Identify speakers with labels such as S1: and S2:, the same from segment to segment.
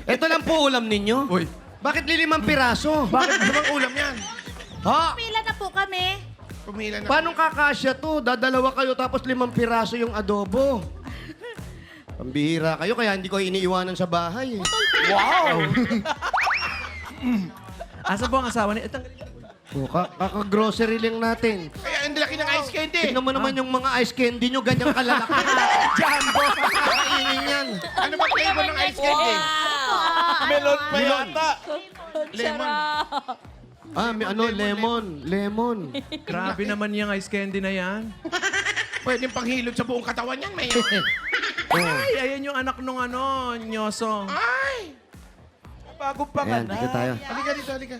S1: Ito lang po ulam ninyo.
S2: Uy,
S1: Bakit lilimang piraso?
S3: Bakit namang ulam yan?
S1: Ha?
S4: Pila na po kami.
S3: Pumila na.
S1: Paano kakasya to? Dadalawa kayo tapos 5 piraso yung adobo. Pambihira kayo kaya hindi ko iniiwanan sa bahay.
S2: wow! Asa po ang asawa niya?
S1: Oh, kaka-grocery lang natin.
S3: Kaya ang laki ng ice candy.
S1: Tignan mo naman yung mga ice candy nyo, ganyang kalalaki. Jumbo! Kainin yan.
S3: Ano ba flavor ng ice candy?
S2: Melon pa yata.
S3: Lemon.
S1: Ah, may ano, lemon. Lemon.
S2: Grabe naman yung ice candy na yan.
S3: Pwedeng panghilod sa buong katawan yan, may.
S2: Ay, ayan yung anak nung Nyoso.
S3: Ay!
S2: Bago pa
S1: Ayan, dito tayo.
S3: Halika dito, halika.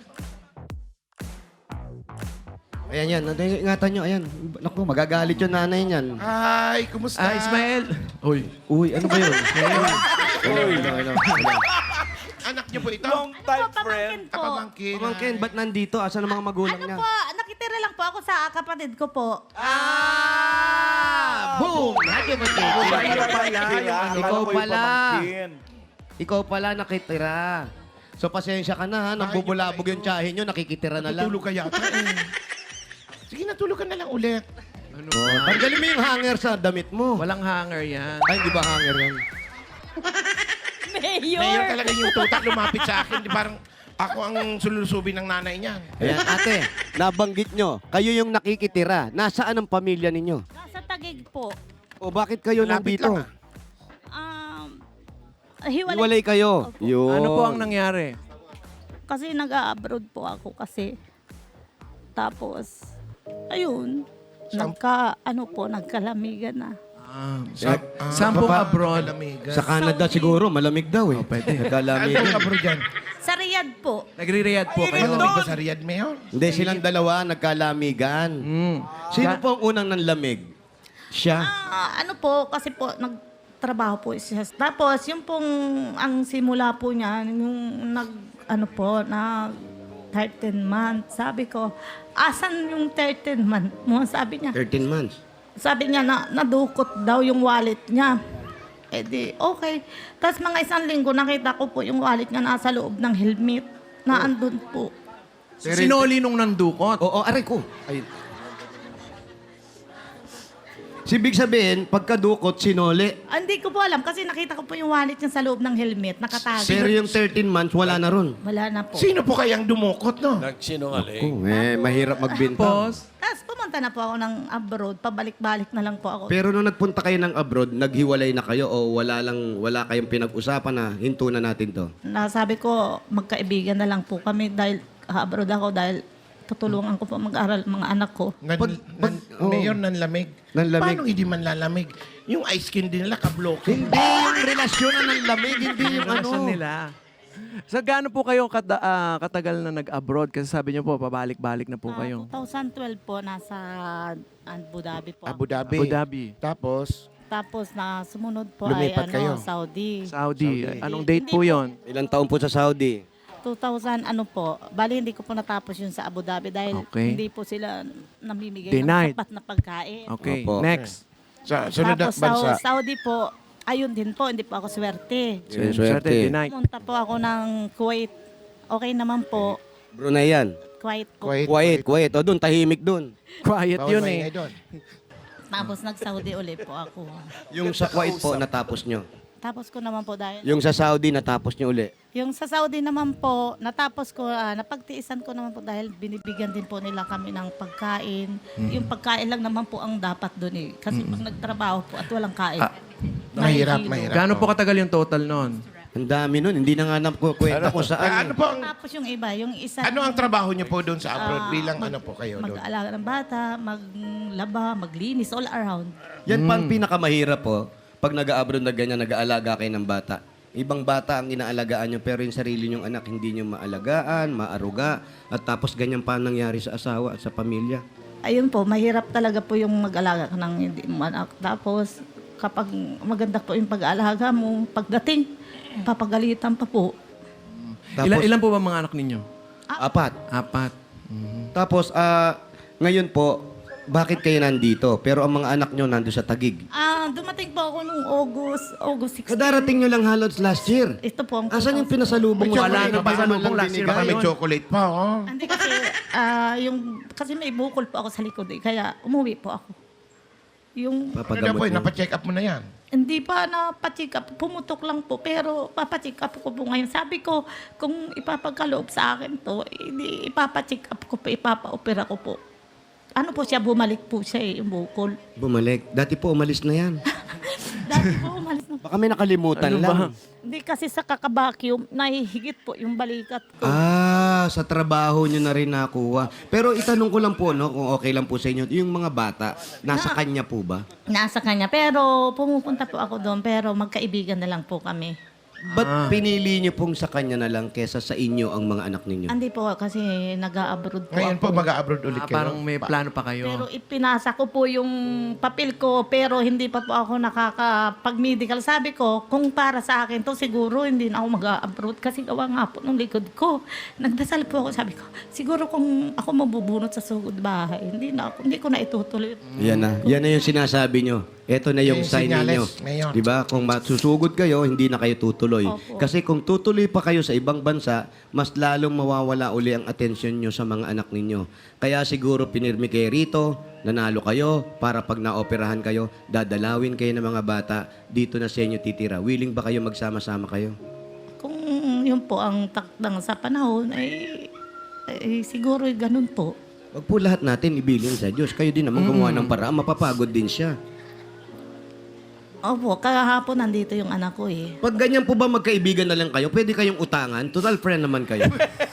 S1: Ayan yan, ingatan nyo, ayan. Naku, magagalit yung nanay niyan.
S3: Ay, kumusta?
S2: Ah, Ismael. Uy.
S1: Uy, ano ba yun? Uy, ano.
S3: Anak niyo po ito?
S4: Ano po, pamangkin po.
S3: Kapamangkin.
S1: Pamangkin, ba't nandito? Asan ang mga magulang
S4: Ano
S1: niya?
S4: po, nakitira lang po ako sa kapatid ko po.
S1: Boom! Happy birthday. Ikaw pala. Ikaw pala nakitira. So, pasensya ka na, ha? Nagbubulabog yung tsahin nyo, nakikitira na lang.
S3: Natulog ka yata eh. Sige, natulog ka na lang ulit.
S1: Oh, tanggalin mo yung hanger sa damit mo.
S2: Walang hanger yan.
S1: Ay, di ba hanger yan?
S3: Mayor talaga yung tutak lumapit sa akin. Di parang ako ang sulusubin ng nanay niya.
S1: Ayan, ate, nabanggit nyo, kayo yung nakikitira. Nasaan ang pamilya ninyo?
S4: Nasa Tagig po.
S1: O bakit kayo
S3: Lapit
S1: nandito?
S3: lang,
S4: Hiwalay.
S1: Iwalay kayo.
S4: Opo.
S1: Yun.
S2: Ano po ang nangyari?
S4: Kasi nag-abroad po ako kasi. Tapos, ayun. Nagkalamigan na.
S2: Saan pong
S3: baba,
S2: abroad?
S3: kalamigan.
S1: Sa Canada siguro, malamig daw eh.
S2: pwede.
S3: Saan
S1: Nagkalamig.
S3: po abroad dyan?
S4: Sa Riyadh po.
S2: Nagre-riyad po kayo.
S3: Malamig ba sa Riyadh, Mayor?
S1: Hindi, silang dalawa nagkalamigan. Sino po ang unang nanlamig? Siya.
S4: Ano po, kasi po, nagtrabaho po siya. Tapos, yung pong, ang simula po niya, yung nag 13 months. Sabi ko, asan yung 13 months mo? Sabi niya.
S1: 13 months.
S4: Sabi niya na nadukot daw yung wallet niya. Eh di, okay. Tapos mga isang linggo, nakita ko po yung wallet niya nasa loob ng helmet na andun po.
S2: Sinoli nung nandukot.
S1: Oo, aray ko. Ay. Sibig sabihin, pagkadukot, sinoli.
S4: Hindi ko po alam kasi nakita ko po yung wallet niya sa loob ng helmet, nakatago.
S1: Pero yung 13 months, wala na ron.
S4: Wala na po.
S3: Sino po kayang dumukot, no?
S1: Oh, mahirap magbintang.
S2: Tapos,
S4: Tapos pumunta na po ako ng abroad, pabalik-balik na lang po ako.
S1: Pero nung nagpunta kayo ng abroad, naghiwalay na kayo o wala kayong pinag-usapan na hinto na natin to?
S4: Nasabi ko, magkaibigan na lang po kami dahil abroad ako dahil tutulungan ko po mag-aral mga anak ko.
S3: Mayor, nanlamig.
S1: Nanlamig.
S3: Paano hindi man lalamig? Yung ice candy nila, kabloke.
S1: Hindi yung relasyon na ng lamig, hindi yung ano.
S2: relasyon nila. So, gaano po kayo katagal na nag-abroad? Kasi sabi niyo po, pabalik-balik na po kayo.
S4: 2012 po, nasa Abu Dhabi po.
S3: Abu Dhabi.
S2: Abu Dhabi.
S3: Tapos,
S4: Tapos na sumunod po
S3: Lumipat
S4: ay
S3: kayo.
S4: Saudi.
S2: Saudi.
S3: Saudi.
S2: Anong date
S4: Hindi
S2: po
S4: po.
S2: yon?
S1: Ilang taon po sa Saudi?
S4: 2000 po. Bali hindi ko po natapos yun sa Abu Dhabi dahil
S2: Okay.
S4: hindi po sila namimigay
S2: Denied.
S4: ng sapat na pagkain.
S2: Okay,
S1: Opo.
S2: next.
S3: sa sunod na
S4: Tapos
S3: bansa.
S4: sa Saudi po, ayun din po, hindi po ako swerte.
S1: Swerte.
S2: Denied.
S4: Pumunta po ako ng Kuwait. Okay naman po.
S1: Brunei yan.
S4: Kuwait po.
S1: Kuwait. O doon, tahimik doon.
S2: Quiet
S3: Bawal
S2: yun
S3: maingay
S2: eh.
S3: doon.
S4: Tapos nag-Saudi ulit po ako.
S1: Yung sa Kuwait po, natapos nyo.
S4: Tapos ko naman po dahil...
S1: Yung sa Saudi, natapos nyo uli.
S4: Yung sa Saudi naman po, natapos ko, napagtiisan ko naman po dahil binibigyan din po nila kami ng pagkain. Yung pagkain lang naman po ang dapat doon eh. Kasi pag nagtrabaho po at walang kain,
S3: Mahirap,
S4: mahihilo.
S3: mahirap.
S2: Gaano po katagal yung total nun?
S1: Ang dami nun. Hindi na nga nakukwenta kung saan.
S3: Ano po ang,
S4: Tapos yung iba, yung isa...
S3: ano ang trabaho niyo po doon sa abroad? Bilang ano po kayo doon?
S4: Mag-aalaga ng bata, maglaba, maglinis, all around.
S1: Yan pa ang pinakamahirap po. Pag nag-abroad na ganyan, nag-aalaga kayo ng bata. Ibang bata ang inaalagaan nyo, pero yung sarili nyong anak, hindi nyo maalagaan, maaruga, at tapos ganyan pa ang nangyari sa asawa at sa pamilya.
S4: Ayun po, mahirap talaga po yung mag-alaga ka ng hindi mo anak. Tapos, kapag maganda po yung pag-aalaga mo, pagdating, papagalitan pa po.
S1: Tapos,
S2: Ilan po ba mga anak ninyo?
S1: 4.
S2: 4.
S1: Tapos, ngayon po, bakit kayo nandito? Pero ang mga anak nyo nando sa Taguig.
S4: Dumating po ako nung August 16.
S1: Kadarating nyo lang halos last year.
S4: Ito po ang
S1: Asan yung pinasalubong mo?
S2: Wala na
S1: Baka man lang
S2: pasalubong last year
S1: binigay.
S2: pa
S3: Baka may
S2: yun.
S3: chocolate pa, oh.
S4: Hindi kasi, kasi may bukol po ako sa likod kaya umuwi po ako. Yung,
S3: Ano na
S1: Papagamot
S3: po,
S1: mo.
S3: napacheck up mo na yan.
S4: hindi pa napacheck up, pumutok lang po, pero papacheck up ko po ngayon. Sabi ko, kung ipapagkaloob sa akin to, hindi ipapacheck up ko po, ipapa-opera ko po. Ano po siya, bumalik po siya yung bukol.
S1: Bumalik. Dati po umalis na yan.
S4: Dati po umalis na.
S1: Baka may nakalimutan
S2: Ano
S1: lang.
S2: ba?
S4: Hindi kasi sa kakabakyum, nahihigit po yung balikat ko.
S1: Sa trabaho nyo na rin nakuha. Pero itanong ko lang po, no, kung okay lang po sa inyo, yung mga bata, nasa kanya po ba?
S4: Nasa kanya. Pero pumupunta po ako doon, pero magkaibigan na lang po kami.
S1: Ba't pinili nyo pong sa kanya na lang kesa sa inyo ang mga anak ninyo?
S4: Hindi po kasi nag-a-abroad po
S3: Ngayon
S4: ako.
S3: po, mag-abroad ulit kayo.
S2: Parang may plano pa kayo.
S4: Pero ipinasa ko po yung papel ko, pero hindi pa po ako nakakapag-medical. Sabi ko, kung para sa akin to siguro hindi na ako mag-abroad kasi gawa nga po nung likod ko. Nagdasal po ako, sabi ko, siguro kung ako mabubunot sa sugod bahay, hindi ko na itutuloy.
S1: Yan na. Yan na yung sinasabi nyo. Ito na yung
S3: Yung
S1: sign
S3: senyales
S1: ninyo.
S3: ngayon.
S1: Di ba? Kung masusugod kayo, hindi na kayo tutuloy.
S4: Opo.
S1: Kasi kung tutuloy pa kayo sa ibang bansa, mas lalong mawawala uli ang atensyon nyo sa mga anak ninyo. Kaya siguro pinirmi kayo rito, nanalo kayo, para pag naoperahan kayo, dadalawin kayo ng mga bata, dito na sa inyo titira. Willing ba kayo magsama-sama kayo?
S4: Kung yun po ang takdang sa panahon, siguro ganun po.
S1: Wag po lahat natin ibilin sa Diyos. Kayo din naman gumawa ng paraan, mapapagod din siya.
S4: Opo, kahapon nandito yung anak ko eh.
S1: Pag ganyan po ba magkaibigan na lang kayo, pwede kayong utangan? Total friend naman kayo.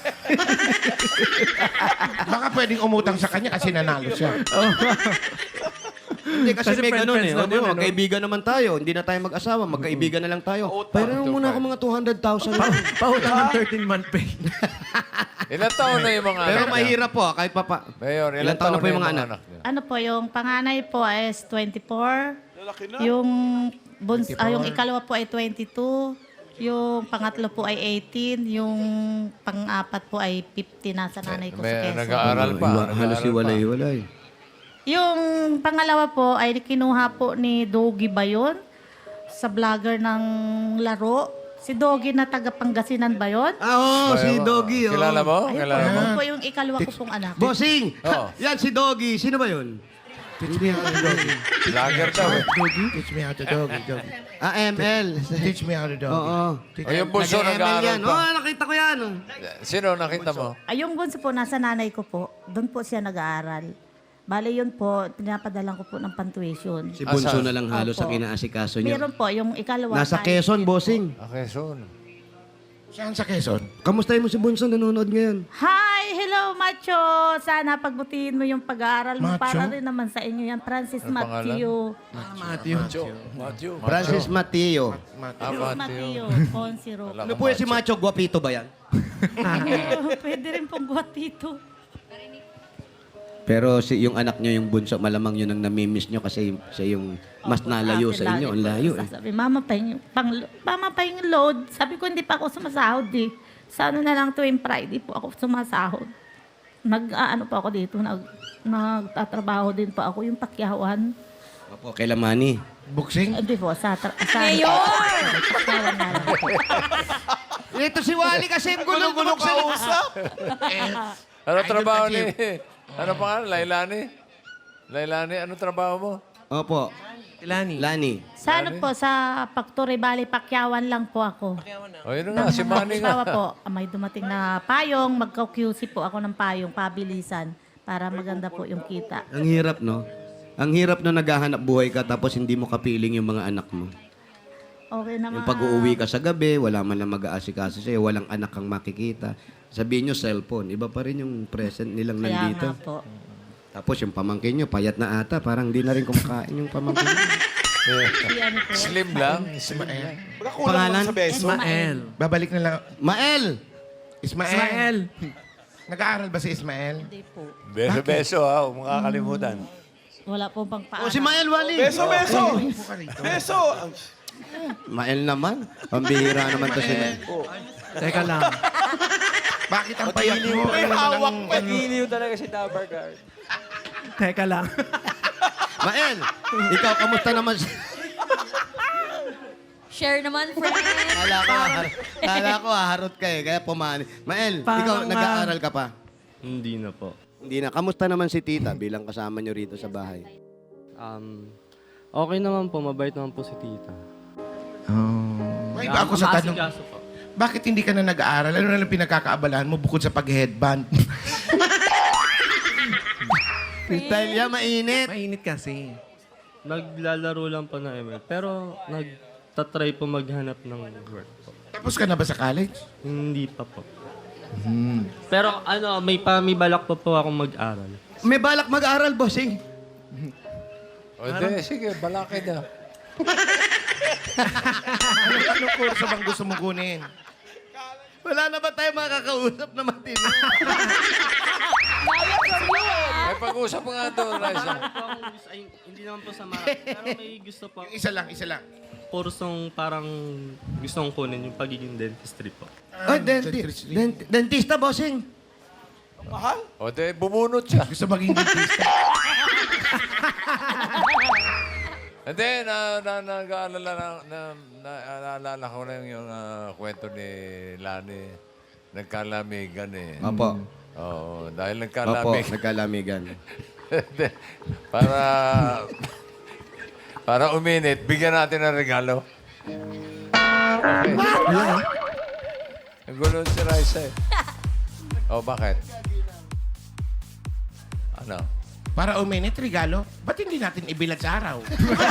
S3: Baka pwedeng umutang sa kanya kasi nanalo siya.
S1: Hindi, kasi
S2: Kasi
S1: may ganun
S2: friends
S1: eh. O, di ba,
S2: naman,
S1: magkaibigan naman tayo. Hindi na tayo mag-asawa. Magkaibigan na lang tayo. Pero muna ako mga 200,000 lang.
S2: Pautang ng 13-month pay.
S5: Ilan taon na yung mga
S1: Pero
S5: anak niya?
S1: mahirap po, kahit papa.
S5: Mayor,
S1: Ilan taon na po yung mga anak?
S5: niya?
S4: Ano po, yung panganay po is 24. Yung, yung ikalawa po ay 22. Yung pangatlo po ay 18. Yung pang-apat po ay 50 na sa nanay ko sa
S5: May
S4: Quezon.
S5: nag-aaral pa.
S1: Halos iwalay-iwalay.
S4: Yung pangalawa po ay kinuha po ni Doggy ba yun? Sa vlogger ng laro. Si Doggy na taga Pangasinan ba yun?
S1: Si Doggy. Oh.
S5: Kilala mo?
S4: Ayun po,
S5: Kilala mo?
S4: yun po yung ikalawa ko pong anak.
S1: Bossing!
S5: Oo.
S1: Yan si Doggy. Sino ba yun?
S3: Teach me how to doggy.
S5: Lager daw eh.
S3: Teach me how to doggy.
S1: ML.
S3: Teach me how to doggy.
S1: Oo.
S5: O yung bunso
S1: Nag-ML
S5: nag-aaral
S1: yan.
S5: pa.
S1: Nakita ko yan.
S5: Sino nakita mo?
S4: Ay, yung bunso po, nasa nanay ko po. Doon po siya nag-aaral. Bale, yun po, pinapadalan ko po ng pantuition.
S1: Si Bunso
S5: Asan?
S1: na lang halos
S4: Opo.
S1: ang inaasikaso niyo.
S4: Meron po, yung ikalawa.
S1: Nasa
S4: tayo-
S1: Quezon, bossing.
S5: Okay, soon.
S3: Saan sa Quezon?
S1: Kamustahin mo si Bunso nanonood ngayon?
S4: Hi! Hello, Macho! Sana pagbutihin mo yung pag-aaral mo.
S3: Macho?
S4: Para rin naman sa inyo yan. Francis
S5: Ano
S4: Matthew.
S5: Matthew.
S1: Francis Mateo.
S4: Matthew. Consiro.
S1: Ano po yan si Macho? Guapito ba yan?
S4: Pwede rin pong guwapito.
S1: Pero yung anak nyo, yung bunso, malamang yun ang namimiss nyo kasi siya yung mas nalayo sa inyo. Ang layo eh.
S4: Sabi, mama pa yung load. Sabi ko, hindi pa ako sumasahod eh. Sana na lang tuwing Friday po ako sumasahod. Ano pa ako dito, nagtatrabaho din pa ako yung pakyawan.
S1: Opo, kay Lamani.
S3: Boxing?
S4: Hindi po, sa Mayor!
S1: Ito si Wally kasi ang gulong-gulong sa usap.
S5: Ano
S3: Idol
S5: trabaho
S3: ka,
S5: ni... Ano pangalan? Lailani? Lailani, ano trabaho mo?
S1: Opo,
S2: Tilani.
S1: Lani.
S4: Sa ano po, sa Factory Valley, pakyawan lang po ako.
S5: O yun nga, si Manny
S4: Asawa
S5: nga.
S4: po, may dumating na payong, magka-QC po ako ng payong, pabilisan, para maganda po yung kita.
S1: Ang hirap, no? Ang hirap na naghahanap buhay ka tapos hindi mo kapiling yung mga anak mo.
S4: Okay naman.
S1: Yung pag-uuwi ka sa gabi, wala man lang mag-aasikaso sa'yo, walang anak kang makikita. Sabihin nyo, cellphone. Iba pa rin yung present nilang
S4: Kaya
S1: nandito.
S4: nga po.
S1: Tapos yung pamangkin nyo, payat na ata. Parang di na rin kumakain yung pamangkin nyo.
S4: Si ano po.
S5: Slim lang. Slim lang.
S1: Pangalan?
S2: Ismael.
S3: Babalik na lang.
S1: Mael!
S3: Ismael.
S2: Ismael.
S3: Nag-aaral ba si Ismael?
S4: Hindi po.
S5: Beso-beso ha, huwag mong kakalimutan.
S4: Wala po pang
S1: O
S4: paano.
S1: si Mael Wally!
S3: Beso!
S1: Mael naman. Pambihira naman to si Mael.
S2: Teka lang.
S3: Bakit ang payat mo?
S6: May hawak pa. Giliw talaga si Dabargar.
S2: Teka lang.
S1: Mael, ikaw, kamusta naman?
S6: Share naman, friend.
S1: Kala ko harot ka eh, kaya pumani. Mael,
S2: Parang,
S1: ikaw, nag-aaral ka pa?
S7: Hindi na po.
S1: Hindi na. Kamusta naman si tita bilang kasama nyo rito sa bahay?
S7: Okay naman po, mabait naman po si tita.
S3: May iba ako sa tanong.
S7: Maasikaso po.
S3: Bakit hindi ka na nag-aaral? Ano na lang pinagkakaabalahan mo bukod sa pag-headband?
S1: Style yan, mainit.
S2: Mainit kasi.
S7: Naglalaro lang po na ML, pero nagtatry po maghanap ng work po.
S3: Tapos ka na ba sa college?
S7: Hindi pa po. Pero may balak pa po akong mag-aral.
S1: May balak mag-aral, bossing.
S5: O, di, sige, balakid na.
S3: Anong kurso bang gusto mong kunin?
S1: Wala na ba tayo makakausap na matino?
S5: May pag-usap nga doon, Raisa.
S7: Hindi naman po sa pero may gusto po.
S3: Isa lang.
S7: Kursong parang gusto kong kunin yung pagiging dentistry po.
S1: Ay, dentista, bossing.
S5: O, di, bumunot siya.
S3: Gusto maging dentista.
S5: Hindi, naalala ko na yung kwento ni Lani. Nagkalamigan eh.
S1: Opo.
S5: Oo, dahil
S1: Opo,
S5: nagkalamigan.
S1: nagkalamigan.
S5: Hindi, para uminit, bigyan natin ng regalo. Okay. Ang gulo si Raisa eh. O, bakit? Ano?
S3: Para uminit, regalo. Ba't hindi natin ibilad sa araw?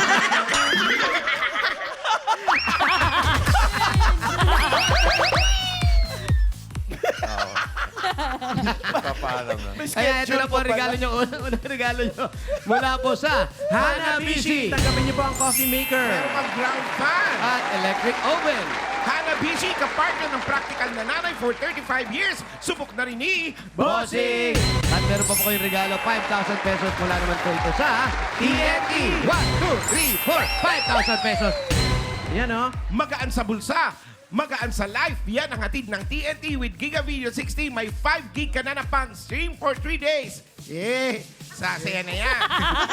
S5: Papaalam na.
S1: Kaya ito na po ang regalo nyo. Unang regalo nyo. Mula po sa Hanabishi
S2: Tanggapin niyo po ang coffee maker.
S3: Meron kang ground fan.
S1: at electric oven.
S3: Hanabishi, kapartner ng practical na nanay for 35 years. Subok na rin ni
S1: Bossing! At meron pa po kayong regalo, 5,000 pesos mula naman po ito sa TNT. 1, 2, 3, 4, 5,000 pesos.
S2: Yan, oh.
S3: Magaan sa bulsa. Magaan sa life. Yan ang hatid ng TNT with Giga Video 60. May 5 gig ka na na pang stream for 3 days. Sasaya na yan.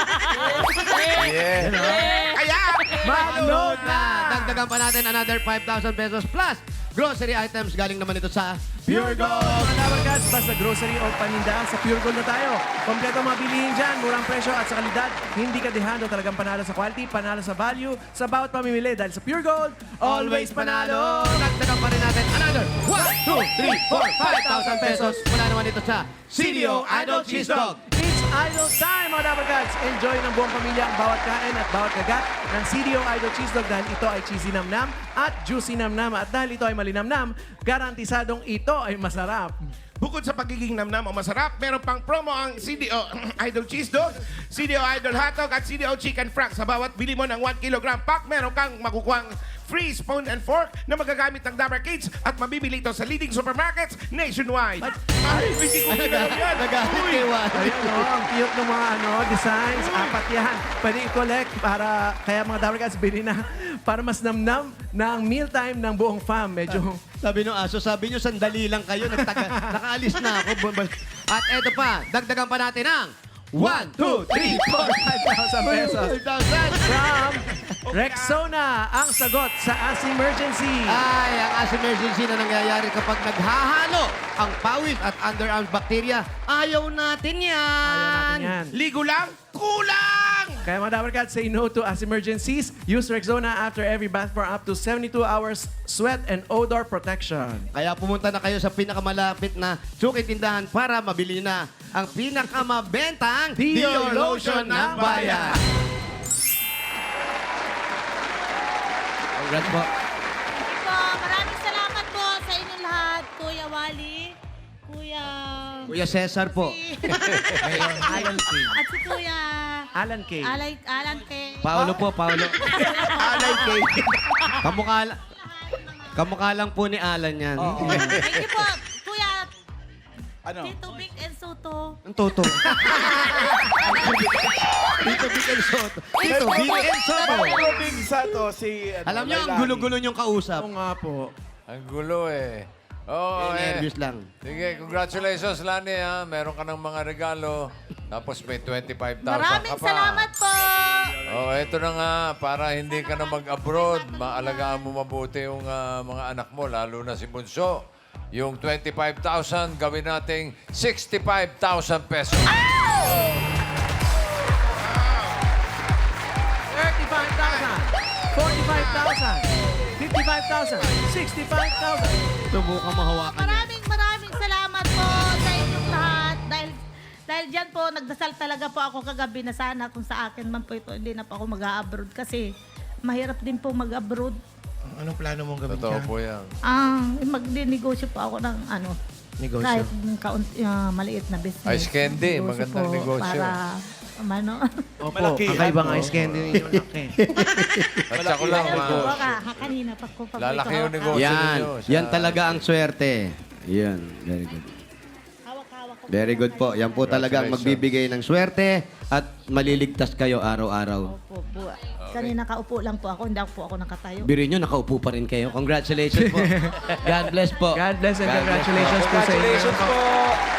S5: Yeah.
S3: Kaya,
S1: Mag-load na! Dagdagan pa natin another 5,000 pesos plus grocery items galing naman ito sa Pure Gold.
S2: Mga Dabarkads, basta grocery o paninda, sa Pure Gold na tayo. Kompleto mga bilihin dyan, murang presyo at sa kalidad. Hindi ka dehando, talagang panalo sa quality, panalo sa value, sa bawat pamimili. Dahil sa Pure Gold, always panalo!
S1: Dagdagan pa rin natin another 1, 2, 3, 4, 5,000 pesos mula naman ito sa CDO Idol Cheese Dog.
S2: It's Idol time, mga Dabarkads! Enjoy ng buong pamilya ang bawat kain at bawat kagat ng CDO Idol Cheese Dog dahil ito ay cheesy namnam at juicy namnam. At dahil ito ay malinamnam, garantisadong ito ay masarap.
S3: bukod sa pagiging namnam o masarap, meron pang promo ang CDO Idol Cheese Dog, CDO Idol Hotdog at CDO Chicken Frank. Sa bawat bili mo ng 1 kilogram pack, meron kang makukuhang free spoon and fork na magagamit ng Dabar Kids at mabibili ito sa leading supermarkets nationwide. Ay, hindi ko ginagawa yan.
S1: Nagalit kay Wally.
S2: Ayun, oh, ang cute ng mga designs. Apat yan. Pwede i-collect para, kaya mga Dabar Cats, bili na para mas namnam ng mealtime ng buong fam. Medyo,
S1: Sabi nung aso, sabi nyo, sandali lang kayo, nakaalis na ako. At eto pa, dagdagan pa natin ang 1, 2, 3,
S2: 5,000 pesos.
S1: 4, 5,000.
S2: From Rexona, ang sagot sa As Emergency.
S1: Ay, ang as emergency na nangyayari kapag naghahalo ang pawis at underarms bacteria. Ayaw natin yan.
S2: Ayaw natin yan.
S3: Ligo lang, kulang!
S2: Kaya mga Dabar Cats, say no to as emergencies. Use Rexona after every bath for up to 72 hours sweat and odor protection.
S1: Kaya pumunta na kayo sa pinakamalapit na suki tindahan para mabili na ang pinakamabentang
S2: Dior Lotion ng bayan.
S1: Congrats po.
S6: Po, maraming salamat po sa inyong lahat, Kuya Wally,
S1: Kuya Cesar po.
S2: Alan K.
S6: at si Kuya
S2: Alan K.
S6: Alan K.
S1: Paolo po, Paolo.
S3: Alay kay.
S1: Kamukha lang po ni Alan yan.
S6: Thank you po, Kuya
S8: Ano?
S6: Tito Vic and Soto.
S1: Ang toto. Tito Vic and Soto. Tito Vic and Soto.
S8: Big Sato, si...
S1: Alam niyo, ang gulo-gulo niyong kausap.
S2: Oo nga po.
S5: Ang gulo eh. Oo,
S1: Nervous lang.
S5: Sige, congratulations, Lani, ha. Meron ka ng mga regalo. Tapos may 25,000
S6: Maraming
S5: ka pa.
S6: salamat po.
S5: Oh, eto na nga, para hindi ka na mag-abroad, maalagaan mo mabuti yung mga anak mo, lalo na si Bunso. Yung 25,000, gawin nating 65,000 pesos.
S2: 35,000, 45,000, 55,000, 65,000.
S1: Subukan mahawakan.
S6: Maraming salamat po sa inyong lahat. Dahil dyan po, nagdasal talaga po ako kagabi na sana kung sa akin man po ito, hindi na po ako mag-abroad kasi mahirap din po mag-abroad.
S3: Anong plano mong gawin
S5: Totoo
S3: dyan?
S5: po yan.
S6: Magdinegosyo po ako ng
S3: Negosyo.
S6: kahit maliit na business.
S5: Ice candy,
S6: Negosyo
S5: magandang
S6: po
S5: negosyo.
S6: Para,
S2: Opo,
S8: Malaki yan.
S2: kakaibang ice candy ninyo laki.
S5: At saka lang,
S6: Ayun po ka, kanina pa ko pag
S5: lalaki yung
S6: ito,
S5: negosyo
S1: Yan.
S5: ninyo.
S1: Yan talaga ang swerte. Yan. Very good.
S6: hawak-hawak ko.
S1: Very good po. Yan po talaga ang magbibigay ng swerte at maliligtas kayo araw-araw.
S6: Opo, kanina kaupo lang po ako, hindi po ako nakatayo.
S1: Biro nyo, nakaupo pa rin kayo. Congratulations po. God bless po.
S2: God bless and congratulations po sa inyo.
S8: Congratulations po.